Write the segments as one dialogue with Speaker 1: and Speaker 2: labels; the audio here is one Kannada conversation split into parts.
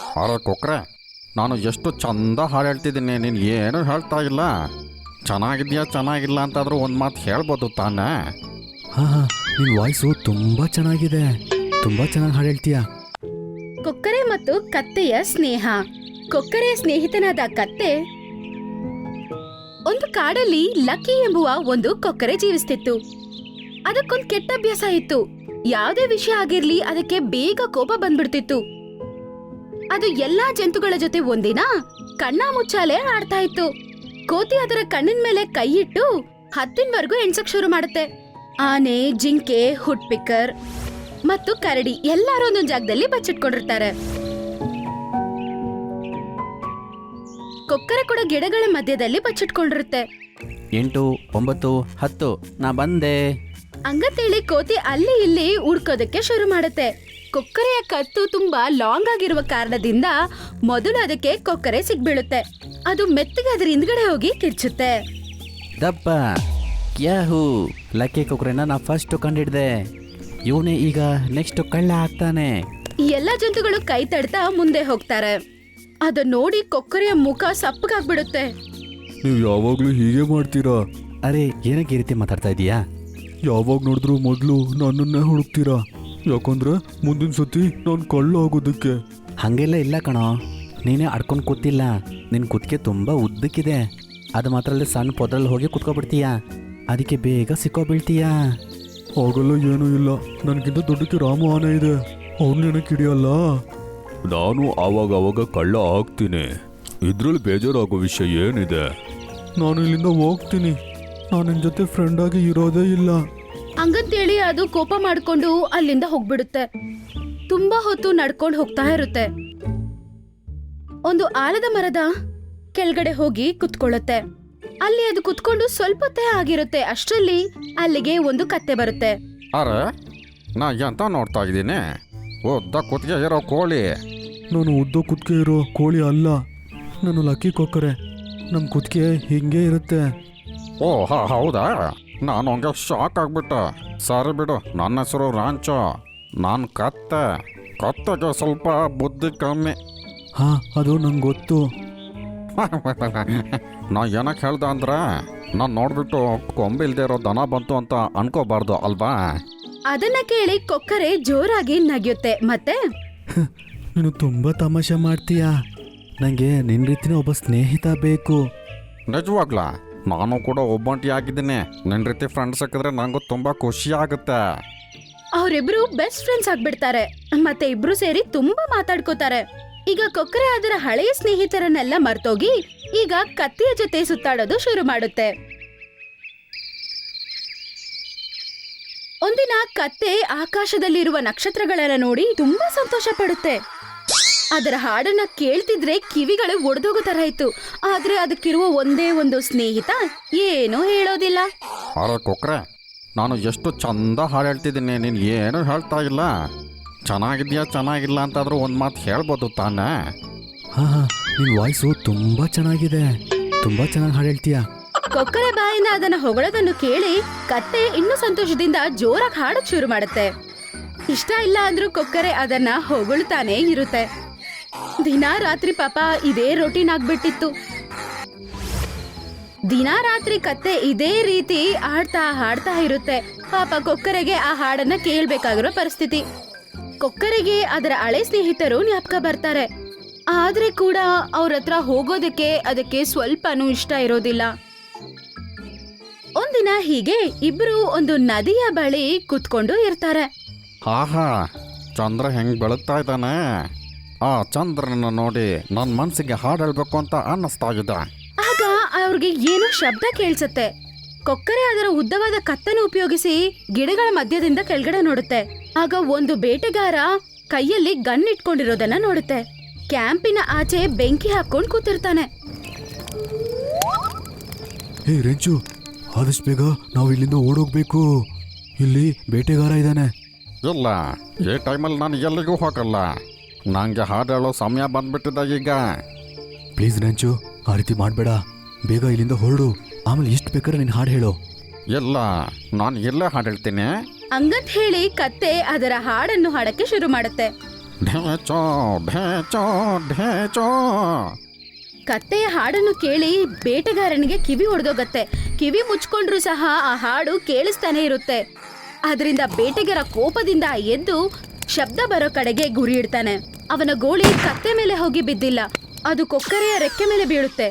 Speaker 1: ಅರೆ ಕೊಕ್ರೆ, ನಾನು ಎಷ್ಟು ಚಂದ ಹಾಡು ಹೇಳ್ತಿದ್ದೀನಿ, ನೀನು ಏನು ಹೇಳ್ತಾ ಇಲ್ಲ. ಚೆನ್ನಾಗಿದೆಯಾ ಚೆನ್ನಾಗಿಲ್ಲ ಅಂತಾದರೂ ಒಂದು ಮಾತು ಹೇಳ್ಬೋದು ತಾನೇ.
Speaker 2: ಹಾಂ ಹಾಂ, ನಿನ್ನ ವಾಯ್ಸು ತುಂಬ ಚೆನ್ನಾಗಿದೆ, ತುಂಬ ಚೆನ್ನಾಗಿ ಹಾಡು ಹೇಳ್ತೀಯ.
Speaker 3: ಕೊಕ್ಕರೆ ಮತ್ತು ಕತ್ತೆಯ ಸ್ನೇಹ. ಕೊಕ್ಕರೆಯ ಸ್ನೇಹಿತನಾದ ಕತ್ತೆ ಒಂದು ಕಾಡಲ್ಲಿ ಲಕ್ಕಿ ಎಂಬುವ ಒಂದು ಕೊಕ್ಕರೆ ಜೀವಿಸ್ತಿತ್ತು. ಅದಕ್ಕೊಂದು ಕೆಟ್ಟ ಅಭ್ಯಾಸ ಇತ್ತು. ಯಾವುದೇ ವಿಷಯ ಆಗಿರ್ಲಿ ಅದಕ್ಕೆ ಬೇಗ ಕೋಪ ಬಂದ್ಬಿಡ್ತಿತ್ತು. ಅದು ಎಲ್ಲಾ ಜಂತುಗಳ ಜೊತೆ ಒಂದಿನ ಕಣ್ಣ ಮುಚ್ಚಾಲೆ ಆಡ್ತಾ ಇತ್ತು. ಕೋತಿ ಅದರ ಕಣ್ಣಿನ ಮೇಲೆ ಕೈ ಇಟ್ಟು 10ವರೆಗೂ ಎಣ್ಸಕ್ ಶುರು ಮಾಡುತ್ತೆ. ಆನೆ, ಜಿಂಕೆ, ಹುಟ್ಪಿಕ್ಕರ್ ಮತ್ತು ಕರಡಿ ಎಲ್ಲರೂ ಒಂದೊಂದು ಜಾಗದಲ್ಲಿ ಬಚ್ಚಿಟ್ಕೊಂಡಿರ್ತಾರೆ. ಕೊಕ್ಕರೆ ಕೂಡ ಗಿಡಗಳ ಮಧ್ಯದಲ್ಲಿ ಬಚ್ಚಿಟ್ಕೊಂಡಿರುತ್ತೆ.
Speaker 2: 8, 9, 10 ನಾ ಬಂದೆ.
Speaker 3: ಹಂಗಂತೇಳಿ ಕೋತಿ ಅಲ್ಲಿ ಇಲ್ಲಿ ಹುಡ್ಕೋದಕ್ಕೆ ಶುರು ಮಾಡುತ್ತೆ. ಕೊಕ್ಕರೆಯ ಕತ್ತು ತುಂಬಾ ಲಾಂಗ್ ಆಗಿರುವ ಕಾರಣದಿಂದ ಮೊದಲು ಅದಕ್ಕೆ ಕೊಕ್ಕರೆ ಸಿಗ್ಬೀಳುತ್ತೆ. ಅದು ಮೆತ್ತಗೆ ಅದರ ಹಿಂದ್ಗಡೆ ಹೋಗಿ ಕಿರ್ಚುತ್ತೆ.
Speaker 2: ದಪ್ಪ ಯಾಹೂ, ಲಕ್ಕಿ ಕೊಕ್ಕರೆನ ನಾ ಫಸ್ಟ್ ಕಂಡಿಡ್ದೆ. ಇವನೇ ಈಗ ನೆಕ್ಸ್ಟ್ ಕಳ್ಳ ಆಗ್ತಾನೆ.
Speaker 3: ಎಲ್ಲ ಜಂತುಗಳು ಕೈ ತಡ್ತಾ ಮುಂದೆ ಹೋಗ್ತಾರೆ. ಅದನ್ನ ನೋಡಿ ಕೊಕ್ಕರೆಯ ಮುಖ ಸಪ್ಪಗಾಗ್ಬಿಡುತ್ತೆ.
Speaker 4: ನೀವು ಯಾವಾಗಲೂ ಹೀಗೆ ಮಾಡ್ತೀರಾ?
Speaker 2: ಅರೆ, ಏನಕ್ಕೆ ಈ ರೀತಿ ಮಾತಾಡ್ತಾ ಇದೀಯಾ?
Speaker 4: ಯಾವಾಗ ನೋಡಿದ್ರು ಮೊದಲು ನನ್ನನ್ನೇ ಹುಡುಕ್ತೀರಾ? ಯಾಕಂದ್ರೆ ಮುಂದಿನ ಸತಿ ನಾನು ಕಳ್ಳ ಆಗೋದಕ್ಕೆ.
Speaker 2: ಹಾಗೆಲ್ಲ ಇಲ್ಲ ಕಣೋ, ನೀನೇ ಅಡ್ಕೊಂಡು ಕೂತಿಲ್ಲ. ನಿನ್ನ ಕುತ್ತಿಗೆ ತುಂಬ ಉದ್ದಕ್ಕಿದೆ. ಅದು ಮಾತ್ರ ಅಲ್ಲದೆ ಸಣ್ಣ ಪೊದ್ರಲ್ಲಿ ಹೋಗಿ ಕುತ್ಕೊಬಿಡ್ತೀಯ. ಅದಕ್ಕೆ ಬೇಗ ಸಿಕ್ಕೋಬೀಳ್ತೀಯಾ.
Speaker 4: ಆಗಲ್ಲ, ಏನೂ ಇಲ್ಲ. ನನಗಿಂತ ದೊಡ್ಡಕ್ಕೆ ರಾಮ ಆನೆ ಇದೆ, ಅವ್ರನ್ನೇನಕ್ಕೆ ಹಿಡಿಯಲ್ಲ. ನಾನು ಆವಾಗ ಕಳ್ಳ ಆಗ್ತೀನಿ. ಇದ್ರಲ್ಲಿ ಬೇಜಾರಾಗೋ ವಿಷಯ ಏನಿದೆ? ನಾನು ಇಲ್ಲಿಂದ ಹೋಗ್ತೀನಿ. ನಾನು ನಿನ್ನ ಜೊತೆ ಫ್ರೆಂಡ್ ಆಗಿ ಇರೋದೇ ಇಲ್ಲ.
Speaker 3: ಹಂಗಂತೇಳಿ ಅದು ಕೋಪ ಮಾಡ್ಕೊಂಡು ಅಲ್ಲಿಂದ ಹೋಗ್ಬಿಡುತ್ತೆ. ತುಂಬಾ ಹೊತ್ತು ನಡ್ಕೊಂಡು ಹೋಗ್ತಾ ಇರುತ್ತೆ. ಒಂದು ಆಲದ ಮರದ ಕೆಳಗಡೆ ಹೋಗಿ ಕುತ್ಕೊಳ್ಳುತ್ತೆ. ಅಲ್ಲಿ ಅದು ಕುತ್ಕೊಂಡು ಸ್ವಲ್ಪತ್ತೇ ಆಗಿರುತ್ತೆ. ಅಷ್ಟರಲ್ಲಿ ಅಲ್ಲಿಗೆ ಒಂದು ಕತ್ತೆ ಬರುತ್ತೆ.
Speaker 1: ಅರೆ, ನಾ ಎಂತ ನೋಡ್ತಾ ಇದ್ದೀನಿ? ಉದ್ದ ಕುತ್ತಿಗೆ ಇರೋ ಕೋಳಿ.
Speaker 4: ನಾನು ಉದ್ದ ಕುತ್ತಿಗೆ ಇರೋ ಕೋಳಿ ಅಲ್ಲ, ನಾನು ಲಕ್ಕಿ ಕೊಕ್ಕರೆ. ನಮ್ಮ ಕುತ್ತಿಗೆ ಹಿಂಗೆ ಇರುತ್ತೆ.
Speaker 1: ಓ ಹೌದಾ? ನಾನು ಹಂಗೆ ಶಾಕ್ ಆಗ್ಬಿಟ್ಟೆ. ಸರಿ ಬಿಡು, ನನ್ನ ಹೆಸರು ರಾಂಚೋ. ನಾನು ಕತ್ತೆಗೆ ಸ್ವಲ್ಪ ಬುದ್ಧಿ ಕಮ್ಮಿ.
Speaker 4: ಹಾಂ, ಅದು ನಂಗೆ ಗೊತ್ತು.
Speaker 1: ನಾ ಏನಕ್ಕೆ ಹೇಳ್ದೆ ಅಂದ್ರೆ, ನಾನು ನೋಡ್ಬಿಟ್ಟು ಕೊಂಬೆ ಇಲ್ದೇ ಇರೋ ದನ ಬಂತು ಅಂತ ಅನ್ಕೋಬಾರ್ದು ಅಲ್ವಾ?
Speaker 3: ಅದನ್ನ ಕೇಳಿ ಕೊಕ್ಕರೆ ಜೋರಾಗಿ ನಗಿಯುತ್ತೆ. ಮತ್ತೆ
Speaker 2: ನೀನು ತುಂಬ ತಮಾಷೆ ಮಾಡ್ತೀಯಾ. ನನಗೆ ನಿನ್ನ ರೀತಿನ ಒಬ್ಬ ಸ್ನೇಹಿತ ಬೇಕು.
Speaker 1: ನಿಜವಾಗ್ಲಾ? ನಾನು ಕೂಡ ಒಬ್ಬಂಟಿ ಆಗಿದ್ದೀನಿ. ನಿನ್ನ ರೀತಿ ಫ್ರೆಂಡ್ ಸಿಕ್ಕಿದ್ರೆ ನನಗೂ ತುಂಬ ಖುಷಿ ಆಗುತ್ತೆ.
Speaker 3: ಅವರಿಬ್ರು ಬೆಸ್ಟ್ ಫ್ರೆಂಡ್ಸ್ ಆಗ್ಬಿಡ್ತಾರೆ. ಮತ್ತೆ ಇಬ್ರು ಸೇರಿ ತುಂಬಾ ಮಾತಾಡ್ಕೋತಾರೆ. ಈಗ ಕೊಕ್ಕರೆ ಅದರ ಹಳೆಯ ಸ್ನೇಹಿತರನ್ನೆಲ್ಲ ಮರ್ತೋಗಿ ಈಗ ಕತ್ತೆಯ ಜೊತೆ ಸುತ್ತಾಡೋದು ಶುರು ಮಾಡುತ್ತೆ. ಒಂದಿನ ಕತ್ತೆ ಆಕಾಶದಲ್ಲಿರುವ ನಕ್ಷತ್ರಗಳನ್ನ ನೋಡಿ ತುಂಬಾ ಸಂತೋಷ ಪಡುತ್ತೆ. ಅದರ ಹಾಡನ್ನ ಕೇಳ್ತಿದ್ರೆ ಕಿವಿಗಳು ಒಡೆದೋಗೋ ತರ ಇತ್ತು. ಆದ್ರೆ ಅದಕ್ಕಿರುವ ಒಂದೇ ಒಂದು ಸ್ನೇಹಿತ ಏನೂ ಹೇಳೋದಿಲ್ಲ.
Speaker 1: ಅರೆ ಕೊಕ್ರೆ, ನಾನು ಎಷ್ಟು ಚಂದ ಹಾಡು ಹೇಳ್ತಿದ್ದೀನಿ, ನೀನು ಏನು ಹೇಳ್ತಾ ಇಲ್ಲ. ಚೆನ್ನಾಗಿದೆಯಾ ಚೆನ್ನಾಗಿಲ್ಲ ಅಂತಾದರೂ ಒಂದು ಮಾತು ಹೇಳ್ಬೋದು ತಾನೇ.
Speaker 2: ಹಾಂ ಹಾಂ, ನಿನ್ನ ವಾಯ್ಸು ತುಂಬ ಚೆನ್ನಾಗಿದೆ, ತುಂಬ ಚೆನ್ನಾಗಿ ಹಾಡು ಹೇಳ್ತೀಯ.
Speaker 3: ಕೊಕ್ಕರೆ ಬಾಯಿಂದ ಅದನ್ನ ಹೊಗಳೋದನ್ನು ಕೇಳಿ ಕತ್ತೆ ಇನ್ನೂ ಸಂತೋಷದಿಂದ ಜೋರಾಗಿ ಹಾಡಕ್ ಶುರು ಮಾಡುತ್ತೆ. ಇಷ್ಟ ಇಲ್ಲ ಅಂದ್ರೂ ಕೊಕ್ಕರೆ ಅದನ್ನ ಹೊಗಳ್ತಾನೆ ಇರುತ್ತೆ. ದಿನಾ ರಾತ್ರಿ ಪಾಪ ಇದೇ ರೊಟೀನ್ ಆಗ್ಬಿಟ್ಟಿತ್ತು. ದಿನಾ ರಾತ್ರಿ ಕತ್ತೆ ಇದೇ ರೀತಿ ಹಾಡ್ತಾ ಇರುತ್ತೆ. ಪಾಪ ಕೊಕ್ಕರೆಗೆ ಆ ಹಾಡನ್ನ ಕೇಳ್ಬೇಕಾಗಿರೋ ಪರಿಸ್ಥಿತಿ. ಕೊಕ್ಕರೆಗೆ ಅದರ ಹಳೆ ಸ್ನೇಹಿತರು ಜ್ಞಾಪಕ ಬರ್ತಾರೆ. ಆದ್ರೆ ಕೂಡ ಅವ್ರ ಹತ್ರ ಹೋಗೋದಕ್ಕೆ ಅದಕ್ಕೆ ಸ್ವಲ್ಪನೂ ಇಷ್ಟ ಇರೋದಿಲ್ಲ. ಒಂದಿನ ಹೀಗೆ ಇಬ್ರು ಒಂದು ನದಿಯ ಬಳಿ ಕುತ್ಕೊಂಡು ಇರ್ತಾರೆ.
Speaker 1: ಆಹಾ, ಚಂದ್ರ ಹೆಂಗೆ ಬೆಳಗ್ತಾ ಇದ್ದಾನೆ. ಆ ಚಂದ್ರನ ನೋಡಿ ನನ್ನ ಮನಸ್ಸಿಗೆ ಹಾಡು ಹೇಳ್ಬೇಕು ಅಂತ ಅನ್ನಿಸ್ತಾ ಇದೆ.
Speaker 3: ಆಗ ಅವ್ರಿಗೆ ಏನೋ ಶಬ್ದ ಕೇಳಿಸುತ್ತೆ. ಕೊಕ್ಕರೆ ಅದರ ಉದ್ದವಾದ ಕತ್ತನ್ನು ಉಪಯೋಗಿಸಿ ಗಿಡಗಳ ಮಧ್ಯದಿಂದ ಕೆಳಗಡೆ ನೋಡುತ್ತೆ. ಆಗ ಒಂದು ಬೇಟೆಗಾರ ಕೈಯಲ್ಲಿ ಗನ್ ಇಟ್ಕೊಂಡಿರೋದನ್ನ ನೋಡುತ್ತೆ. ಕ್ಯಾಂಪಿನ ಆಚೆ ಬೆಂಕಿ ಹಾಕೊಂಡು ಕೂತಿರ್ತಾನೆ.
Speaker 4: ಹೇ ರೆಂಚು, ಆದಷ್ಟು ಬೇಗ ನಾವು ಇಲ್ಲಿಂದ ಓಡೋಗ್ಬೇಕು. ಇಲ್ಲಿ ಬೇಟೆಗಾರ ಇದ್ದಾನೆ.
Speaker 1: ಇಲ್ಲ, ಈ ಟೈಮಲ್ಲಿ ನಾನು ಎಲ್ಲಿಗೂ ಹೋಗಲ್ಲ. ನನಗೆ ಹಾಡು ಹೇಳೋ ಸಮಯ ಬಂದ್ಬಿಟ್ಟಿದೆ ಈಗ.
Speaker 4: ಪ್ಲೀಸ್ ರೆಂಚು, ಆ ರೀತಿ ಮಾಡಬೇಡ. ಬೇಗ ಇಲ್ಲಿಂದ ಹೊರಡು, ಆಮೇಲೆ ಎಷ್ಟು ಬೇಕಾದ್ರೆ ನೀನು ಹಾಡು ಹೇಳು.
Speaker 1: ಇಲ್ಲ, ನಾನು ಇಲ್ಲೇ ಹಾಡು ಹೇಳ್ತೀನಿ.
Speaker 3: ಹಂಗಂತ ಹೇಳಿ ಕತ್ತೆ ಅದರ ಹಾಡನ್ನು ಹಾಡಕ್ಕೆ ಶುರು ಮಾಡುತ್ತೆ.
Speaker 1: ಢೇಚೋ ಢೇಚೋ ಢೇಚೋ.
Speaker 3: ಕತ್ತೆಯ ಹಾಡನ್ನು ಕೇಳಿ ಬೇಟೆಗಾರನಿಗೆ ಕಿವಿ ಒಡೆದೋಗತ್ತೆ. ಕಿವಿ ಮುಚ್ಕೊಂಡ್ರೂ ಸಹ ಆ ಹಾಡು ಕೇಳಿಸ್ತಾನೆ ಇರುತ್ತೆ. ಅದರಿಂದ ಬೇಟೆಗಾರ ಕೋಪದಿಂದ ಎದ್ದು ಶಬ್ದ ಬರೋ ಕಡೆಗೆ ಗುರಿ ಇಡ್ತಾನೆ. ಅವನ ಗೋಳಿ ಕತ್ತೆ ಮೇಲೆ ಹೋಗಿ ಬಿದ್ದಿಲ್ಲ, ಅದು ಕೊಕ್ಕರೆಯ ರೆಕ್ಕೆ ಮೇಲೆ ಬೀಳುತ್ತೆ.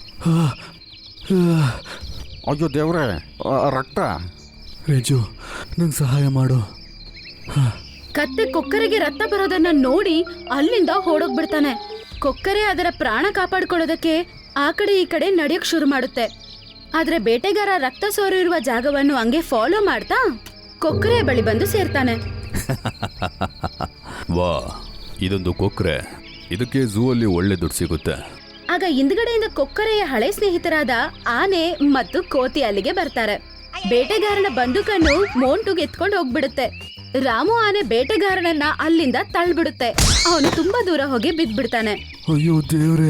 Speaker 1: ಅಯ್ಯೋ ದೇವ್ರೆ, ರಕ್ತ.
Speaker 4: ರೇಜು, ನಂಗೆ ಸಹಾಯ ಮಾಡು.
Speaker 3: ಕತ್ತೆ ಕೊಕ್ಕರೆಗೆ ರಕ್ತ ಬರೋದನ್ನ ನೋಡಿ ಅಲ್ಲಿಂದ ಓಡೋಗ್ಬಿಡ್ತಾನೆ. ಕೊಕ್ಕರೆ ಅದರ ಪ್ರಾಣ ಕಾಪಾಡ್ಕೊಳ್ಳೋದಕ್ಕೆ ಆ ಕಡೆ ಈ ಕಡೆ ನಡೆಯೋಕ್ ಶುರು ಮಾಡುತ್ತೆ. ಆದ್ರೆ ಬೇಟೆಗಾರ ರಕ್ತ ಸೋರಿರುವ ಜಾಗವನ್ನು ಹಂಗೆ ಫಾಲೋ ಮಾಡ್ತಾ ಕೊಕ್ಕರೆಯ ಬಳಿ ಬಂದು ಸೇರ್ತಾನೆ.
Speaker 4: ವಾ, ಇದೊಂದು ಕೊಕ್ರೆ. ಇದಕ್ಕೆ ಝೂ ಅಲ್ಲಿ ಒಳ್ಳೆ ದುಡ್ಡು ಸಿಗುತ್ತೆ.
Speaker 3: ಆಗ ಹಿಂದ್ಗಡೆಯಿಂದ ಕೊಕ್ಕರೆಯ ಹಳೆ ಸ್ನೇಹಿತರಾದ ಆನೆ ಮತ್ತು ಕೋತಿ ಅಲ್ಲಿಗೆ ಬರ್ತಾರೆ. ಬೇಟೆಗಾರನ ಬಂದೂಕನ್ನು ಮೋಂಟುಗೆ ಎತ್ಕೊಂಡು ಹೋಗ್ಬಿಡುತ್ತೆ. ರಾಮು ಆನೆ ಬೇಟೆಗಾರನನ್ನ ಅಲ್ಲಿಂದ ತಳ್ಳಿಬಿಡುತ್ತೆ. ಅವನು ತುಂಬಾ ದೂರ ಹೋಗಿ ಬಿದ್ದ್ಬಿಡ್ತಾನೆ.
Speaker 4: ಅಯ್ಯೋ ದೇವ್ರೆ.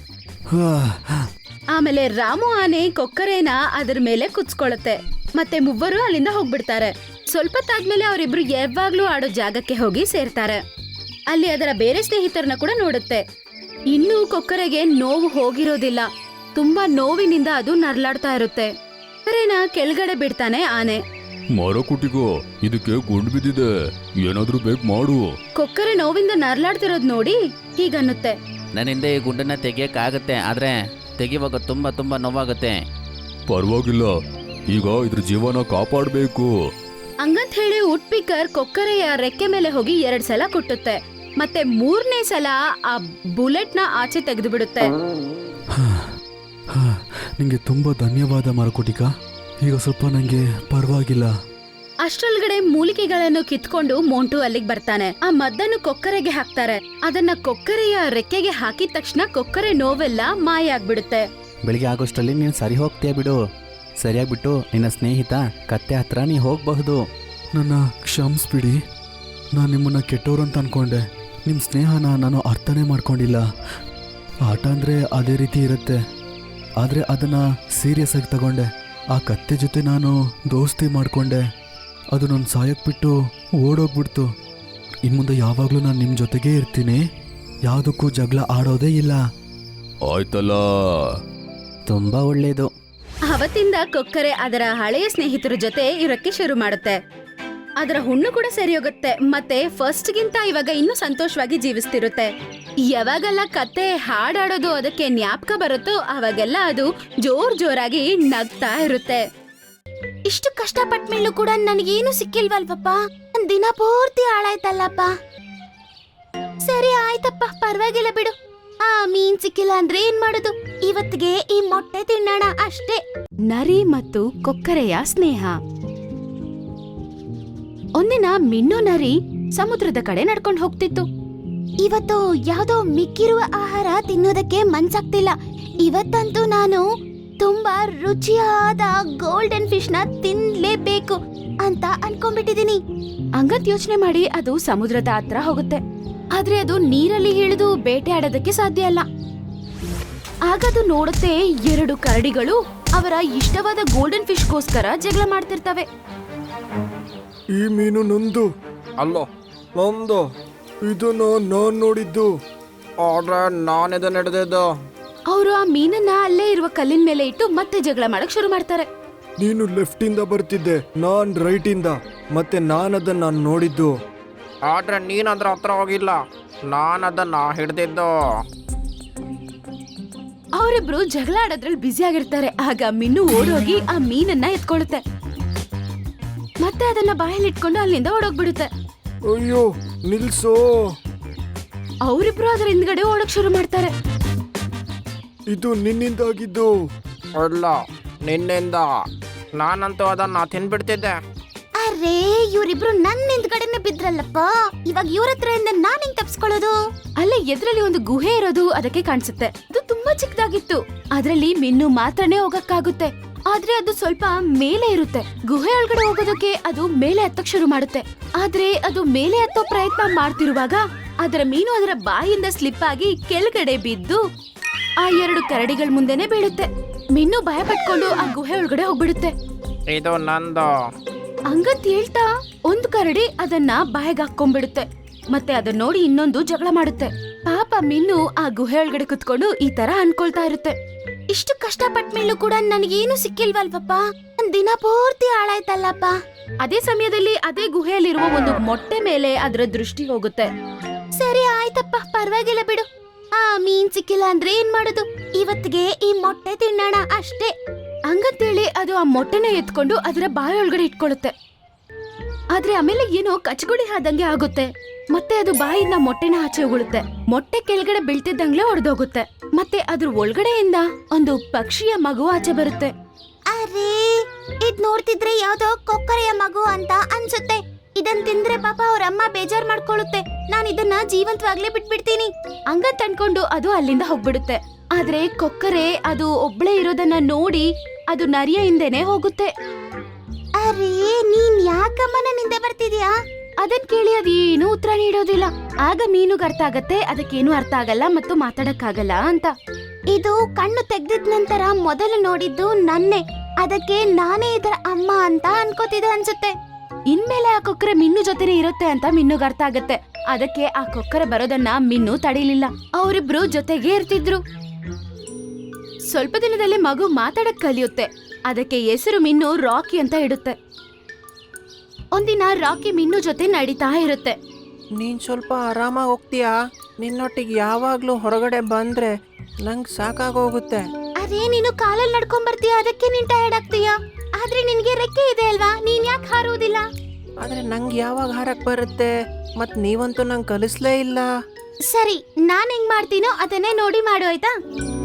Speaker 3: ಆಮೇಲೆ ರಾಮು ಆನೆ ಕೊಕ್ಕರೆನ ಅದರ ಮೇಲೆ ಕುಚ್ಕೊಳ್ಳುತ್ತೆ. ಮತ್ತೆ ಮೂವರು ಅಲ್ಲಿಂದ ಹೋಗ್ಬಿಡ್ತಾರೆ. ಸ್ವಲ್ಪ ತಾದ್ಮೇಲೆ ಅವರಿಬ್ರು ಯಾವಾಗ್ಲೂ ಆಡೋ ಜಾಗಕ್ಕೆ ಹೋಗಿ ಸೇರ್ತಾರೆ. ಅಲ್ಲಿ ಅದರ ಬೇರೆ ಸ್ನೇಹಿತರನ್ನ ಕೂಡ ನೋಡುತ್ತೆ. ಇನ್ನೂ ಕೊಕ್ಕರೆಗೆ ನೋವು ಹೋಗಿರೋದಿಲ್ಲ. ತುಂಬಾ ನೋವಿನಿಂದ ಅದು ನರ್ಲಾಡ್ತಾ ಇರುತ್ತೆ. ಕೊಕ್ಕರೆನ ಕೆಳಗಡೆ ಬಿಡ್ತಾನೆ ಆನೆ.
Speaker 4: ಮರ ಕುಟಿಗೋ, ಇದಕ್ಕೆ ಗುಂಡು ಬಿದ್ದಿದೆ, ಏನಾದ್ರೂ ಬೇಕು ಮಾಡು.
Speaker 3: ಕೊಕ್ಕರೆ ನೋವಿಂದ ನರ್ಲಾಡ್ತಿರೋದ್ ನೋಡಿ ಹೀಗನ್ನುತ್ತೆ.
Speaker 2: ನನ್ನಿಂದ ಈ ಗುಂಡನ್ನ ತೆಗಿಯಕ್ಕಾಗತ್ತೆ, ಆದ್ರೆ ತೆಗಿವಾಗ ತುಂಬಾ ತುಂಬಾ ನೋವಾಗುತ್ತೆ.
Speaker 4: ಪರವಾಗಿಲ್ಲ, ಈಗ ಇದ್ರ ಜೀವನ ಕಾಪಾಡಬೇಕು.
Speaker 3: ಹಂಗಂತ ಹೇಳಿ ಉಟ್ಪಿಕರ್ ಕೊಕ್ಕರೆಯ ರೆಕ್ಕೆ ಮೇಲೆ ಹೋಗಿ 2 ಸಲ ಕುಟ್ಟುತ್ತೆ. ಮತ್ತೆ 3ನೇ ಸಲ ಆ ಬುಲೆಟ್ನ ಆಚೆ ತೆಗೆದು ಬಿಡುತ್ತೆ.
Speaker 4: ನಿಂಗೆ ತುಂಬಾ ಧನ್ಯವಾದ ಮರಕುಟಿಕ. ಈಗ ಸ್ವಲ್ಪ ನಂಗೆ ಪರವಾಗಿಲ್ಲ.
Speaker 3: ಅಷ್ಟರೊಳಗಡೆ ಮೂಲಿಕೆಗಳನ್ನು ಕಿತ್ಕೊಂಡು ಮೋಂಟು ಅಲ್ಲಿಗೆ ಬರ್ತಾನೆ. ಆ ಮದ್ದನ್ನು ಕೊಕ್ಕರೆಗೆ ಹಾಕ್ತಾರೆ. ಅದನ್ನ ಕೊಕ್ಕರೆಯ ರೆಕ್ಕೆಗೆ ಹಾಕಿದ ತಕ್ಷಣ ಕೊಕ್ಕರೆ ನೋವೆಲ್ಲ ಮಾಯ ಆಗ್ಬಿಡುತ್ತೆ.
Speaker 2: ಬೆಳಿಗ್ಗೆ ಆಗೋಷ್ಟರಲ್ಲಿ ನೀನು ಸರಿ ಹೋಗ್ತೀಯ ಬಿಡು. ಸರಿಯಾಗ್ಬಿಟ್ಟು ನಿನ್ನ ಸ್ನೇಹಿತ ಕತ್ತೆ ಹತ್ರ ನೀ ಹೋಗಬಹುದು.
Speaker 4: ನನ್ನ ಕ್ಷಮಿಸ್ಬಿಡಿ. ನಾನು ನಿಮ್ಮನ್ನ ಕೆಟ್ಟೋರು ಅಂತ ಅನ್ಕೊಂಡೆ. ನಿಮ್ಮ ಸ್ನೇಹನ ನಾನು ಅರ್ಥನೇ ಮಾಡ್ಕೊಂಡಿಲ್ಲ. ಆಟ ಅಂದರೆ ಅದೇ ರೀತಿ ಇರುತ್ತೆ, ಆದರೆ ಅದನ್ನು ಸೀರಿಯಸ್ ಆಗಿ ತಗೊಂಡೆ. ಆ ಕತ್ತೆ ಜೊತೆ ನಾನು ದೋಸ್ತಿ ಮಾಡಿಕೊಂಡೆ. ಅದು ನನ್ನ ಸಾಯಕ್ಕೆ ಬಿಟ್ಟು ಓಡೋಗ್ಬಿಡ್ತು. ಇನ್ನು ಮುಂದೆ ಯಾವಾಗಲೂ ನಾನು ನಿಮ್ಮ ಜೊತೆಗೇ ಇರ್ತೀನಿ. ಯಾವುದಕ್ಕೂ ಜಗಳ ಆಡೋದೇ ಇಲ್ಲ. ಆಯ್ತಲ್ಲ.
Speaker 2: ತುಂಬಾ ಒಳ್ಳೇದು.
Speaker 3: ಅವತ್ತಿಂದ ಕೊಕ್ಕರೆ ಅದರ ಹಳೆಯ ಸ್ನೇಹಿತರ ಜೊತೆ ಇರೋಕ್ಕೆ ಶುರು ಮಾಡುತ್ತೆ. ಅದರ ಹುಣ್ಣು ಕೂಡ ಸರಿ ಹೋಗುತ್ತೆ. ಮತ್ತೆ ಫಸ್ಟ್ಗಿಂತ ಇವಾಗ ಇನ್ನೂ ಸಂತೋಷವಾಗಿ ಜೀವಿಸ್ತಿರುತ್ತೆ. ಯಾವಾಗೆಲ್ಲ ಕತ್ತೆ ಹಾಡಾಡೋದು ಅದಕ್ಕೆ ಜ್ಞಾಪಕ ಬರುತ್ತೋ ಅವಾಗೆಲ್ಲ ಅದು ಜೋರಾಗಿ ನಗ್ತಾ ಇರುತ್ತೆ. ಇಷ್ಟು ಕಷ್ಟಪಟ್ಟ ಮೇಲೂ ಕೂಡ ನನಗೇನು ಸಿಕ್ಕಿಲ್ವಲ್ವಪ್ಪ. ದಿನ ಪೂರ್ತಿ ಹಾಳಾಯ್ತಲ್ಲಪ್ಪ. ಸರಿ ಆಯ್ತಪ್ಪ, ಪರವಾಗಿಲ್ಲ ಬಿಡು. ಆ ಮೀನ್ ಸಿಕ್ಕಿಲ್ಲ ಅಂದ್ರೆ ಏನ್ ಮಾಡೋದು, ಇವತ್ತಿಗೆ ಈ ಮೊಟ್ಟೆ ತಿನ್ನೋಣ ಅಷ್ಟೇ. ನರಿ ಮತ್ತು ಕೊಕ್ಕರೆಯ ಸ್ನೇಹ. ಒಂದಿನ ಮಿನ್ನು ನರಿ ಸಮುದ್ರದ ಕಡೆ ನಡ್ಕೊಂಡು ಹೋಗ್ತಿತ್ತು. ಇವತ್ತು ಯಾವ್ದೋ ಮಿಕ್ಕಿರುವ ಆಹಾರ ತಿನ್ನೋದಕ್ಕೆ ಮನ್ಸಾಗ್ತಿಲ್ಲ. ಇವತ್ತಂತೂ ನಾನು ತುಂಬಾ ರುಚಿಯಾದ ಗೋಲ್ಡನ್ ಫಿಶ್ ನ ತಿನ್ಲೇಬೇಕು ಅಂತ ಅನ್ಕೊಂಡ್ಬಿಟ್ಟಿದೀನಿ. ಹಂಗಂತ ಯೋಚನೆ ಮಾಡಿ ಅದು ಸಮುದ್ರದ ಹತ್ರ ಹೋಗುತ್ತೆ. ಆದ್ರೆ ಅದು ನೀರಲ್ಲಿ ಇಳಿದು ಬೇಟೆ ಆಡೋದಕ್ಕೆ ಸಾಧ್ಯ ಅಲ್ಲ. ಆಗದು ನೋಡುತ್ತೆ 2 ಕರಡಿಗಳು ಅವರ ಇಷ್ಟವಾದ ಗೋಲ್ಡನ್ ಫಿಶ್ಗೋಸ್ಕರ ಜಗಳ ಮಾಡ್ತಿರ್ತವೆ.
Speaker 5: ಈ ಮೀನು ನಂದು ಅಲ್ಲ, ನಂದು. ಇದನ್ನ ನಾನ್ ನೋಡಿದ್ದು, ಆದ್ರೆ ನಾನಿದನ್ನ ಹಿಡ್ದಿದ್ದು.
Speaker 3: ಅವರು ಆ ಮೀನನ್ನ ಅಲ್ಲೇ ಇರುವ ಕಲ್ಲಿನ ಮೇಲೆ ಇಟ್ಟು ಮತ್ತೆ ಜಗಳ ಮಾಡಕ್ ಶುರು ಮಾಡ್ತಾರೆ.
Speaker 5: ನೀನು ಲೆಫ್ಟ್ ಇಂದ ಬರ್ತಿದ್ದೆ, ನಾನ್ ರೈಟ್ ಇಂದ. ಮತ್ತೆ ನಾನದನ್ನ ನೋಡಿದ್ದು, ಆದ್ರೆ ನೀನ್ ಅದ್ರ ಹತ್ರ ಹೋಗಿಲ್ಲ. ನಾನದನ್ನ ಹಿಡ್ದಿದ್ದು.
Speaker 3: ಅವರಿಬ್ರು ಜಗಳ ಆಡೋದ್ರಲ್ಲಿ ಬ್ಯುಸಿ ಆಗಿರ್ತಾರೆ. ಆಗ ಮಿನ್ನು ಓಡೋಗಿ ಆ ಮೀನನ್ನ ಎತ್ಕೊಳ್ಳುತ್ತೆ. ಮತ್ತೆ ಅದನ್ನ ಬಾಯಲ್ಲಿ ಇಟ್ಕೊಂಡು ಅಲ್ಲಿಂದ ಓಡೋಗ್ಬಿಡುತ್ತೆ.
Speaker 5: ಅಯ್ಯೋ ನಿಲ್ಸೋ.
Speaker 3: ಅವರಿಬ್ರು ಅದರ ಹಿಂದ್ಗಡೆ ಓಡಕ್ ಶುರು ಮಾಡ್ತಾರೆ.
Speaker 5: ಇದು ನಿನ್ನಿಂದಾಗಿದ್ದು. ಅಲ್ಲ, ನಿನ್ನಿಂದ. ನಾನಂತೂ ಅದನ್ನ ತಿನ್ಬಿಡ್ತಿದ್ದೆ.
Speaker 3: ಅರೇ, ಇವರಿಬ್ರು ನನ್ನ ಹಿಂದ್ಗಡೆನೆ ಬಿದ್ರಲ್ಲಪ್ಪ. ಇವಾಗ ಇವ್ರ ಹತ್ರದಿಂದ ನಾನ್ ಹೆಂಗ್ ತಪ್ಸ್ಕೊಳ್ಳೋದು? ಅಲ್ಲೇ ಎದ್ರಲ್ಲಿ ಒಂದು ಗುಹೆ ಇರೋದು ಅದಕ್ಕೆ ಕಾಣಿಸುತ್ತೆ. ಅದು ತುಂಬಾ ಚಿಕ್ಕದಾಗಿತ್ತು. ಅದ್ರಲ್ಲಿ ಮಿನ್ನು ಮಾತ್ರನೇ ಹೋಗಕ್ಕಾಗುತ್ತೆ. ಆದ್ರೆ ಅದು ಸ್ವಲ್ಪ ಮೇಲೆ ಇರುತ್ತೆ. ಗುಹೆ ಒಳಗಡೆ ಹೋಗೋದಕ್ಕೆ ಅದು ಮೇಲೆ ಹತ್ತಕ್ ಶುರು ಮಾಡುತ್ತೆ. ಆದ್ರೆ ಅದು ಮೇಲೆ ಹತ್ತೋ ಪ್ರಯತ್ನ ಮಾಡ್ತಿರುವಾಗ ಅದರ ಮೀನು ಅದರ ಬಾಯಿಂದ ಸ್ಲಿಪ್ ಆಗಿ ಕೆಳಗಡೆ ಬಿದ್ದು ಆ 2 ಕರಡಿಗಳ ಮುಂದೆನೆ ಬೀಳುತ್ತೆ. ಮಿನ್ನು ಭಯ ಪಟ್ಕೊಂಡು ಆ ಗುಹೆ ಒಳಗಡೆ ಹೋಗ್ಬಿಡುತ್ತೆ.
Speaker 5: ಇದು ನಂದು.
Speaker 3: ಹಂಗಂತ ಹೇಳ್ತಾ ಒಂದು ಕರಡಿ ಅದನ್ನ ಬಾಯಿಗೆ ಹಾಕೊಂಡ್ಬಿಡುತ್ತೆ. ಮತ್ತೆ ಅದನ್ನ ನೋಡಿ ಇನ್ನೊಂದು ಜಗಳ ಮಾಡುತ್ತೆ. ಪಾಪ ಮಿನ್ನು ಆ ಗುಹೆ ಒಳಗಡೆ ಕುತ್ಕೊಂಡು ಈ ತರ ಅನ್ಕೊಳ್ತಾ ಇರುತ್ತೆ. ಇಷ್ಟು ಕಷ್ಟಪಟ್ಟ ಮೇಲೂ ಕೂಡ ನನಗೇನು ಸಿಕ್ಕಿಲ್ವಲ್ವಪ್ಪ, ದಿನ ಪೂರ್ತಿ ಹಾಳಾಯ್ತಲ್ಲಪ್ಪ. ಅದೇ ಸಮಯದಲ್ಲಿ ಅದೇ ಗುಹೆಯಲ್ಲಿರುವ ಒಂದು ಮೊಟ್ಟೆ ಮೇಲೆ ಅದರ ದೃಷ್ಟಿ ಹೋಗುತ್ತೆ. ಸರಿ ಆಯ್ತಪ್ಪ, ಪರವಾಗಿಲ್ಲ ಬಿಡು. ಆ ಮೀನ್ ಸಿಕ್ಕಿಲ್ಲ ಅಂದ್ರೆ ಏನ್ ಮಾಡೋದು, ಇವತ್ತಿಗೆ ಈ ಮೊಟ್ಟೆ ತಿನ್ನೋಣ ಅಷ್ಟೇ ಹಂಗಂತೇಳಿ ಅದು ಆ ಮೊಟ್ಟೆನ ಎತ್ಕೊಂಡು ಅದರ ಬಾಯಿ ಒಳಗಡೆ ಇಟ್ಕೊಳ್ಳುತ್ತೆ. ಆದ್ರೆ ಆಮೇಲೆ ಏನೋ ಕಚಗುಳಿ ಆದಂಗೆ ಆಗುತ್ತೆ. ಮತ್ತೆ ಅದು ಬಾಯಿಂದ ಮೊಟ್ಟೆನ ಆಚೆ ಉಗುಳುತ್ತೆ. ಮೊಟ್ಟೆ ಕೆಳಗಡೆ ಬೀಳ್ತಿದ್ದಂಗ್ಲೇ ಹೊಡೆದೋಗುತ್ತೆ. ಮತ್ತೆ ಅದ್ರ ಒಳಗಡೆಯಿಂದ ಒಂದು ಪಕ್ಷಿಯ ಮಗು ಆಚೆ ಬರುತ್ತೆ. ಅರೇ, ಇದ್ ನೋಡ್ತಿದ್ರೆ ಯಾವ್ದೋ ಕೊಕ್ಕರೆಯ ಮಗು ಅಂತ ಅನ್ಸುತ್ತೆ. ಇದನ್ ತಿಂದ್ರೆ ಪಾಪ ಅವ್ರ ಅಮ್ಮ ಬೇಜಾರ್ ಮಾಡ್ಕೊಳ್ಳುತ್ತೆ. ನಾನ್ ಇದನ್ನ ಜೀವಂತವಾಗ್ಲೇ ಬಿಟ್ಬಿಡ್ತೀನಿ ಹಂಗಂತ ಅನ್ಕೊಂಡು ಅದು ಅಲ್ಲಿಂದ ಹೋಗ್ಬಿಡುತ್ತೆ. ಆದ್ರೆ ಕೊಕ್ಕರೆ ಅದು ಒಬ್ಳೆ ಇರೋದನ್ನ ನೋಡಿ ಅದು ನರಿಯ ಹಿಂದೆನೆ ಹೋಗುತ್ತೆ. ಅರೇ, ನೀನ್ ಯಾಕಮ್ಮ ನನ್ನ ಹಿಂದೆ ಬರ್ತಿದ್ಯಾ? ಅದನ್ ಕೇಳಿ ಅದೇನು ಉತ್ತರ ನೀಡೋದಿಲ್ಲ. ಆಗ ಮೀನುಗ್ ಅರ್ಥ ಆಗತ್ತೆ ಅದಕ್ಕೇನು ಅರ್ಥ ಆಗಲ್ಲ ಮತ್ತು ಮಾತಾಡಕ್ಕಾಗಲ್ಲ ಅಂತ. ಇದು ಕಣ್ಣು ತೆಗ್ದಿದ್ ನಂತರ ಮೊದಲು ನೋಡಿದ್ದು ನನ್ನೇ, ಅದಕ್ಕೆ ನಾನೇ ಇದರ ಅಮ್ಮ ಅಂತ ಅನ್ಕೋತಿದೆ ಅನ್ಸುತ್ತೆ. ಇನ್ಮೇಲೆ ಆ ಕೊಕ್ಕರೆ ಮಿನ್ನು ಜೊತೆನೆ ಇರುತ್ತೆ ಅಂತ ಮಿನ್ನುಗ್ ಅರ್ಥ ಆಗತ್ತೆ. ಅದಕ್ಕೆ ಆ ಕೊಕ್ಕರೆ ಬರೋದನ್ನ ಮಿನ್ನು ತಡೀಲಿಲ್ಲ. ಅವರಿಬ್ರು ಜೊತೆಗೆ ಇರ್ತಿದ್ರು. ಸ್ವಲ್ಪ ದಿನದಲ್ಲಿ ಮಗು ಮಾತಾಡಕ್ ಕಲಿಯುತ್ತೆ. ಅದಕ್ಕೆ ಹೆಸರು ಮಿನ್ನು ರಾಕಿ ಅಂತ ಇಡುತ್ತೆ. ಒಂದಿನ ರಾಕಿ ಮಿನ್ನು ಜೊತೆ ನಡೀತಾ ಇರುತ್ತೆ.
Speaker 5: ನೀನ್ ಸ್ವಲ್ಪ ಆರಾಮಾಗಿ ಹೋಗ್ತೀಯಾ? ನಿನ್ನೊಟ್ಟಿಗೆ ಯಾವಾಗ್ಲೂ ಹೊರಗಡೆ ಬಂದ್ರೆ ನಂಗ್ ಸಾಕಾಗೋಗುತ್ತೆ.
Speaker 3: ಅದೇ ನೀನು ಕಾಲಲ್ಲಿ ನಡ್ಕೊಂಡ್ ಬರ್ತೀಯ, ಅದಕ್ಕೆ ನೀನ್ ಟಯರ್ಡ್ ಆಗ್ತೀಯಾ? ಆದ್ರೆ ನಿನ್ಗೆ ರೆಕ್ಕೆ ಇದೆ ಅಲ್ವಾ, ನೀನ್ ಯಾಕೆ ಹಾರುವುದಿಲ್ಲ?
Speaker 5: ಆದ್ರೆ ನಂಗೆ ಯಾವಾಗ ಹಾರಕ್ ಬರುತ್ತೆ? ಮತ್ ನೀವಂತೂ ನಂಗೆ ಕಲಿಸ್ಲೇ ಇಲ್ಲ.
Speaker 3: ಸರಿ, ನಾನ್ ಹೆಂಗ್ ಮಾಡ್ತೀನೋ ಅದನ್ನೇ ನೋಡಿ ಮಾಡು ಆಯ್ತಾ?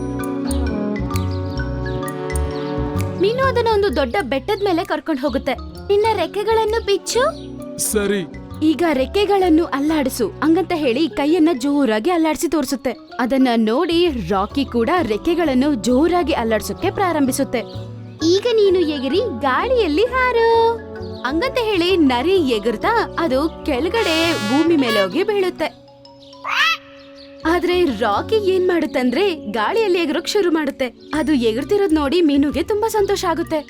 Speaker 3: ಮೀನು ಅದನ್ನ ಒಂದು ದೊಡ್ಡ ಬೆಟ್ಟದ ಮೇಲೆ ಕರ್ಕೊಂಡು ಹೋಗುತ್ತೆ. ನಿನ್ನ ರೆಕ್ಕೆಗಳನ್ನು ಬಿಚ್ಚು.
Speaker 4: ಸರಿ.
Speaker 3: ಈಗ ರೆಕ್ಕೆಗಳನ್ನು ಅಲ್ಲಾಡಿಸು ಹಂಗಂತ ಹೇಳಿ ಕೈಯನ್ನ ಜೋರಾಗಿ ಅಲ್ಲಾಡಿಸಿ ತೋರಿಸುತ್ತೆ. ಅದನ್ನ ನೋಡಿ ರಾಕಿ ಕೂಡ ರೆಕ್ಕೆಗಳನ್ನು ಜೋರಾಗಿ ಅಲ್ಲಾಡ್ಸೋಕೆ ಪ್ರಾರಂಭಿಸುತ್ತೆ. ಈಗ ನೀನು ಎಗಿರಿ ಗಾಳಿಯಲ್ಲಿ ಹಾರು ಹಂಗಂತ ಹೇಳಿ ನರಿ ಎಗರ್ತಾ ಅದು ಕೆಳಗಡೆ ಭೂಮಿ ಮೇಲೆ ಹೋಗಿ ಬೀಳುತ್ತೆ. ಆದ್ರೆ ರಾಕಿ ಏನ್ ಮಾಡುತ್ತಂದ್ರೆ ಗಾಳಿಯಲ್ಲಿ ಎಗರೋಕ್ ಶುರು ಮಾಡುತ್ತೆ. ಅದು ಎಗರ್ತಿರೋದ್ ನೋಡಿ ಮೀನುಗೆ ತುಂಬಾ ಸಂತೋಷ ಆಗುತ್ತೆ.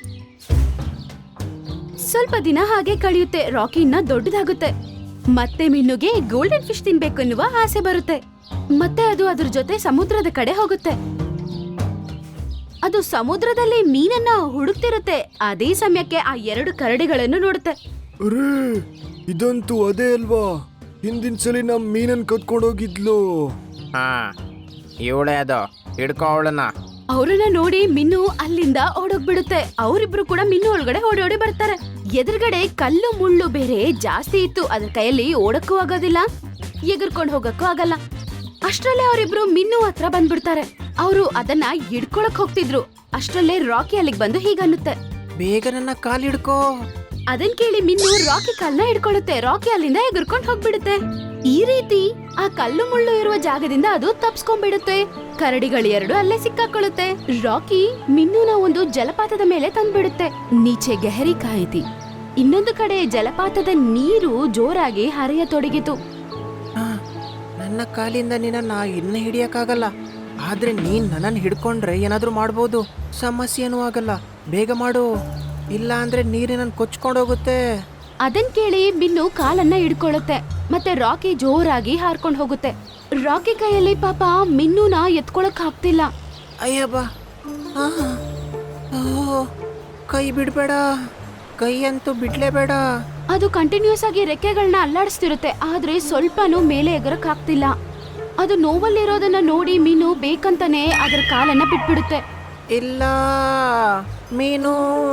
Speaker 3: ಸ್ವಲ್ಪ ದಿನ ಹಾಗೆ ಕಳೆಯುತ್ತೆ. ರಾಕಿ ಇನ್ನ ದೊಡ್ಡದಾಗುತ್ತೆ. ಮತ್ತೆ ಮೀನುಗೆ ಗೋಲ್ಡನ್ ಫಿಶ್ ತಿನ್ಬೇಕು ಎನ್ನುವ ಆಸೆ ಬರುತ್ತೆ. ಮತ್ತೆ ಅದು ಅದ್ರ ಜೊತೆ ಸಮುದ್ರದ ಕಡೆ ಹೋಗುತ್ತೆ. ಅದು ಸಮುದ್ರದಲ್ಲಿ ಮೀನನ್ನ ಹುಡುಕ್ತಿರುತ್ತೆ. ಅದೇ ಸಮಯಕ್ಕೆ ಆ 2 ಕರಡಿಗಳನ್ನು ನೋಡುತ್ತೆ.
Speaker 5: ಅರೇ, ಇದಂತೂ ಅದೇ ಅಲ್ವಾ ಹಿಂದಿನ ಸಲ ನಮ್ ಮೀನನ್ ಕತ್ಕೊಂಡೋಗಿದ್ಲು. ಹಾ, ಇವಳೇ ಅದು, ಹಿಡ್ಕೋ ಅವಳನ್ನ.
Speaker 3: ಅವ್ರನ್ನ ನೋಡಿ ಮಿನ್ನು ಅಲ್ಲಿಂದ ಓಡೋಗ್ಬಿಡುತ್ತೆ. ಅವರಿಬ್ರು ಕೂಡ ಮಿನ್ನು ಒಳಗಡೆ ಓಡಿ ಬರ್ತಾರೆ. ಎದುರುಗಡೆ ಕಲ್ಲು ಮುಳ್ಳು ಬೇರೆ ಜಾಸ್ತಿ ಇತ್ತು. ಅದ್ರ ಕೈಯಲ್ಲಿ ಓಡಕ್ಕೂ ಆಗೋದಿಲ್ಲ, ಎಗರ್ಕೊಂಡು ಹೋಗಕ್ಕೂ ಆಗಲ್ಲ. ಅಷ್ಟ್ರಲ್ಲೇ ಅವರಿಬ್ರು ಮಿನ್ನು ಹತ್ರ ಬಂದ್ಬಿಡ್ತಾರೆ. ಅವರು ಅದನ್ನ ಹಿಡ್ಕೊಳಕ್ ಹೋಗ್ತಿದ್ರು. ಅಷ್ಟ್ರಲ್ಲೇ ರಾಕಿ ಅಲ್ಲಿಗೆ ಬಂದು ಹೀಗನ್ನುತ್ತೆ,
Speaker 5: ಬೇಗ ನನ್ನ ಕಾಲ್ ಹಿಡ್ಕೋ.
Speaker 3: ಅದನ್ ಕೇಳಿ ಮಿನ್ನು ರಾಕಿ ಕಲ್ನ ಹಿಡ್ಕೊಳ್ಳುತ್ತೆ. ರಾಕಿ ಅಲ್ಲಿಂದ ಎಗರ್ಕೊಂಡು ಹೋಗ್ಬಿಡುತ್ತೆ. ಈ ರೀತಿ ಆ ಕಲ್ಲು ಮುಳ್ಳು ಇರುವ ಜಾಗದಿಂದ ಅದು ತಪ್ಸ್ಕೊಂಡ್ಬಿಡುತ್ತೆ. ಕರಡಿಗಳು 2 ಅಲ್ಲೇ ಸಿಕ್ಕಾಕೊಳ್ಳುತ್ತೆ. ರಾಕಿ ಮಿನ್ನುನ ಒಂದು ಜಲಪಾತದ ಮೇಲೆ ತಂದ್ಬಿಡುತ್ತೆ. ನೀಚೆ ಗೆಹರಿ ಕಾಯಿತಿ. ಇನ್ನೊಂದು ಕಡೆ ಜಲಪಾತದ ನೀರು ಜೋರಾಗಿ ಹರಿಯತೊಡಗಿತು.
Speaker 5: ನನ್ನ ಕಾಲಿಂದ ನಿನ್ನ ಇನ್ನ ಹಿಡಿಯಕ್ಕಾಗಲ್ಲ. ಆದ್ರೆ ನೀನ್ ನನ್ನನ್ನು ಹಿಡ್ಕೊಂಡ್ರೆ ಏನಾದ್ರೂ ಮಾಡ್ಬೋದು. ಸಮಸ್ಯೆನೂ ಆಗಲ್ಲ. ಬೇಗ ಮಾಡು, ಇಲ್ಲ ಅಂದ್ರೆ ನೀರಿನ ಕೊಚ್ಕೊಂಡೋಗುತ್ತೆ.
Speaker 3: ಅದನ್ ಕೇಳಿ ಮಿನ್ನು ಕಾಲನ್ನ ಹಿಡ್ಕೊಳ್ಳುತ್ತೆ. ಮತ್ತೆ ರಾಕಿ ಜೋರಾಗಿ ಹಾರ್ಕೊಂಡು ಹೋಗುತ್ತೆ. ರಾಕಿ ಕೈಯಲ್ಲಿ ಪಾಪ ಮಿನ್ನುನ ಎತ್ಕೊಳಕ್ ಆಗ್ತಿಲ್ಲ.
Speaker 5: ಅಯ್ಯಬ್ಬಾ, ಕೈ ಬಿಡ್ಬೇಡ, ಕೈ ಅಂತೂ ಬಿಡ್ಲೇಬೇಡ.
Speaker 3: ಅದು ಕಂಟಿನ್ಯೂಸ್ ಆಗಿ ರೆಕ್ಕೆಗಳನ್ನ ಅಲ್ಲಾಡಿಸ್ತಿರುತ್ತೆ. ಆದ್ರೆ ಸ್ವಲ್ಪನೂ ಮೇಲೆ ಎಗರಕ್ ಆಗ್ತಿಲ್ಲ. ಅದು ನೋವಲ್ಲಿರೋದನ್ನ ನೋಡಿ ಮೀನು ಬೇಕಂತಾನೆ ಅದರ ಕಾಲನ್ನ ಬಿಟ್ಬಿಡುತ್ತೆ.
Speaker 5: ಇಲ್ಲ ಮೀನು.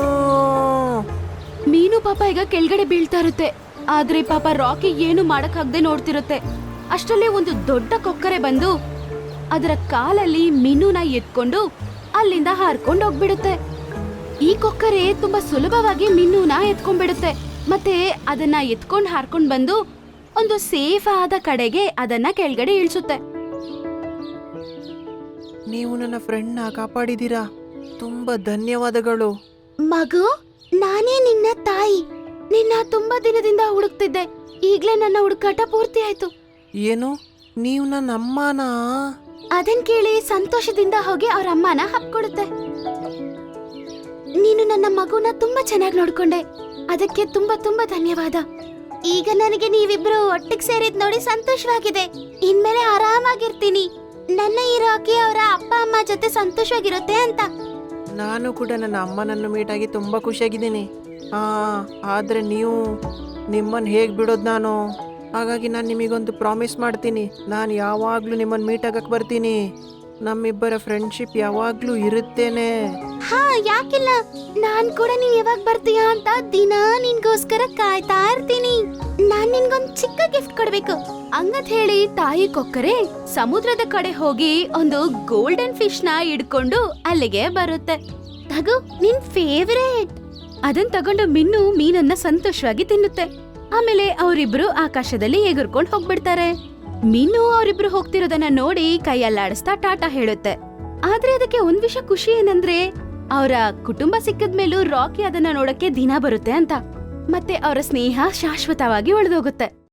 Speaker 3: ಮೀನು ಪಾಪ ಈಗ ಕೆಳಗಡೆ ಬೀಳ್ತಾ ಇರುತ್ತೆ. ಆದ್ರೆ ಪಾಪ ರಾಕಿ ಏನು ಮಾಡಕ್ಕಾಗದೆ ನೋಡ್ತಿರುತ್ತೆ. ಅಷ್ಟರಲ್ಲೇ ಒಂದು ದೊಡ್ಡ ಕೊಕ್ಕರೆ ಬಂದು ಅದರ ಕಾಲಲ್ಲಿ ಮೀನುನ ಎತ್ಕೊಂಡು ಅಲ್ಲಿಂದ ಹಾರ್ಕೊಂಡು ಹೋಗ್ಬಿಡುತ್ತೆ. ಈ ಕೊಕ್ಕರೆ ತುಂಬಾ ಸುಲಭವಾಗಿ ಮೀನುನ ಎತ್ಕೊಂಡ್ಬಿಡುತ್ತೆ. ಮತ್ತೆ ಅದನ್ನ ಎತ್ಕೊಂಡು ಹಾರ್ಕೊಂಡು ಬಂದು ಒಂದು ಸೇಫ್ ಆದ ಕಡೆಗೆ ಅದನ್ನ ಕೆಳಗಡೆ ಇಳಿಸುತ್ತೆ.
Speaker 5: ನೀವು ನನ್ನ ಫ್ರೆಂಡ್ನ ಕಾಪಾಡಿದೀರಾ, ತುಂಬಾ ಧನ್ಯವಾದಗಳು.
Speaker 3: ಮಗು, ನಾನೇ ನಿನ್ನ ತಾಯಿ. ನಿನ್ನ ತುಂಬಾ ದಿನದಿಂದ ಹುಡುಕ್ತಿದ್ದೆ. ಈಗ್ಲೇ ನನ್ನ ಹುಡುಕಾಟ ಪೂರ್ತಿ ಆಯ್ತು.
Speaker 5: ಏನು, ನೀವು ನನ್ನ ಅಮ್ಮನಾ?
Speaker 3: ಅದನ್ ಕೇಳಿ ಸಂತೋಷದಿಂದ ಹೋಗಿ ಅವ್ರ ಅಮ್ಮನ ಹಪ್ಕೊಡುತ್ತೆ. ನೀನು ನನ್ನ ಮಗುನ ತುಂಬಾ ಚೆನ್ನಾಗಿ ನೋಡ್ಕೊಂಡೆ, ಅದಕ್ಕೆ ತುಂಬಾ ತುಂಬಾ ಧನ್ಯವಾದ. ಈಗ ನನಗೆ ನೀವಿಬ್ರು ಒಟ್ಟಿಗೆ ಸೇರಿದ್ ನೋಡಿ ಸಂತೋಷವಾಗಿದೆ. ಇನ್ಮೇಲೆ ಆರಾಮಾಗಿರ್ತೀನಿ. ನನ್ನ ಈ ರಾಕಿ ಅವರ ಅಪ್ಪ ಅಮ್ಮ ಜೊತೆ ಸಂತೋಷವಾಗಿರುತ್ತೆ ಅಂತ.
Speaker 5: ನಾನು ಕೂಡ ನನ್ನ ಅಮ್ಮನನ್ನು ಮೀಟ್ ಆಗಿ ತುಂಬ ಖುಷಿಯಾಗಿದ್ದೀನಿ. ಆದರೆ ನೀವು ನಿಮ್ಮನ್ನು ಹೇಗೆ ಬಿಡೋದು ನಾನು? ಹಾಗಾಗಿ ನಾನು ನಿಮಗೊಂದು ಪ್ರಾಮಿಸ್ ಮಾಡ್ತೀನಿ, ನಾನು ಯಾವಾಗಲೂ ನಿಮ್ಮನ್ನು ಮೀಟ್ ಆಗಕ್ಕೆ ಬರ್ತೀನಿ. ನಮ್ಮಿಬ್ಬರ ಫ್ರೆಂಡ್ಶಿಪ್ ಯಾವಾಗಲೂ ಇರುತ್ತೇನೆ.
Speaker 3: ಹಾ, ಯಾಕಿಲ್ಲ? ನಾನ್ ಕೂಡ ನೀನ್ ಯಾವಾಗ ಬರ್ತೀಯಾ ಅಂತ ದಿನ ನಿನ್ಗೋಸ್ಕರ ಕಾಯ್ತಾ ಇರ್ತೀನಿ. ನಾನ್ ನಿನ್ಗೊಂದ್ ಚಿಕ್ಕ ಗಿಫ್ಟ್ ಕೊಡ್ಬೇಕು ಹಂಗಂತ ಹೇಳಿ ತಾಯಿ ಕೊಕ್ಕರೆ ಸಮುದ್ರದ ಕಡೆ ಹೋಗಿ ಒಂದು ಗೋಲ್ಡನ್ ಫಿಶ್ ನ ಹಿಡ್ಕೊಂಡು ಅಲ್ಲಿಗೆ ಬರುತ್ತೆ. ತಗೋ, ನಿನ್ ಫೇವರೇಟ್. ಅದನ್ ತಗೊಂಡು ಮಿನ್ನು ಮೀನನ್ನ ಸಂತೋಷವಾಗಿ ತಿನ್ನುತ್ತೆ. ಆಮೇಲೆ ಅವರಿಬ್ರು ಆಕಾಶದಲ್ಲಿ ಎಗರ್ಕೊಂಡು ಹೋಗ್ಬಿಡ್ತಾರೆ. ಮೀನು ಅವರಿಬ್ರು ಹೋಗ್ತಿರೋದನ್ನ ನೋಡಿ ಕೈಯಲ್ಲಾಡಿಸ್ತಾ ಟಾಟಾ ಹೇಳುತ್ತೆ. ಆದ್ರೆ ಅದಕ್ಕೆ ಒಂದ್ ವಿಷಯ ಖುಷಿ ಏನಂದ್ರೆ ಅವರ ಕುಟುಂಬ ಸಿಕ್ಕದ್ಮೇಲೂ ರಾಕಿ ಅದನ್ನ ನೋಡಕ್ಕೆ ದಿನ ಬರುತ್ತೆ ಅಂತ. ಮತ್ತೆ ಅವರ ಸ್ನೇಹ ಶಾಶ್ವತವಾಗಿ ಉಳಿದೋಗುತ್ತೆ.